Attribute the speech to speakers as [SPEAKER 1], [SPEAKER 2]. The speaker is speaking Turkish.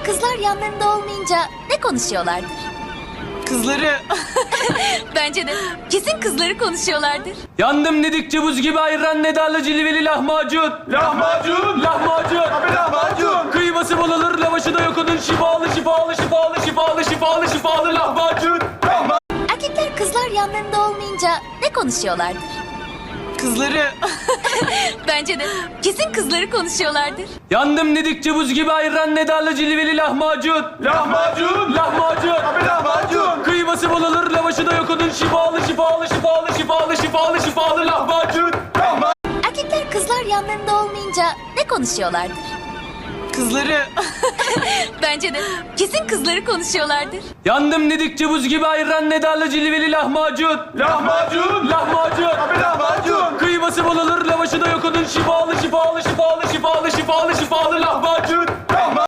[SPEAKER 1] Kızlar yanlarında olmayınca ne konuşuyorlardır?
[SPEAKER 2] Kızları...
[SPEAKER 1] Bence de. Kesin kızları konuşuyorlardır.
[SPEAKER 3] Yandım dedikçe buz gibi ayran, ne darlı cilveli lahmacun.
[SPEAKER 4] Lahmacun!
[SPEAKER 3] Lahmacun.
[SPEAKER 4] Abi lahmacun!
[SPEAKER 3] Kıyması bol olur, lavaşı da yok onun, şifalı şifalı şifalı şifalı şifalı şifalı lahmacun.
[SPEAKER 1] Erkekler kızlar yanlarında olmayınca ne konuşuyorlardır?
[SPEAKER 2] Kızları...
[SPEAKER 1] Bence de. Kesin kızları konuşuyorlardır.
[SPEAKER 3] Yandım dedikçe buz gibi ayran, ne darlı cilveli lahmacun.
[SPEAKER 4] Lahmacun!
[SPEAKER 3] Lahmacun.
[SPEAKER 4] Abi lahmacun!
[SPEAKER 3] Kıyması bol olur, lavaşı da yok onun, şifalı şifalı şifalı şifalı şifalı şifalı lahmacun.
[SPEAKER 1] Erkekler kızlar yanlarında olmayınca ne konuşuyorlardır?
[SPEAKER 2] Kızları...
[SPEAKER 1] Bence de. Kesin kızları konuşuyorlardır.
[SPEAKER 3] Yandım dedikçe buz gibi ayran, ne darlı cilveli lahmacun.
[SPEAKER 4] Lahmacun!
[SPEAKER 3] Lahmacun.
[SPEAKER 4] Abi lahmacun!
[SPEAKER 3] Kıyması bol olur, lavaşı da yok onun, şifalı şifalı şifalı şifalı şifalı şifalı lahmacun.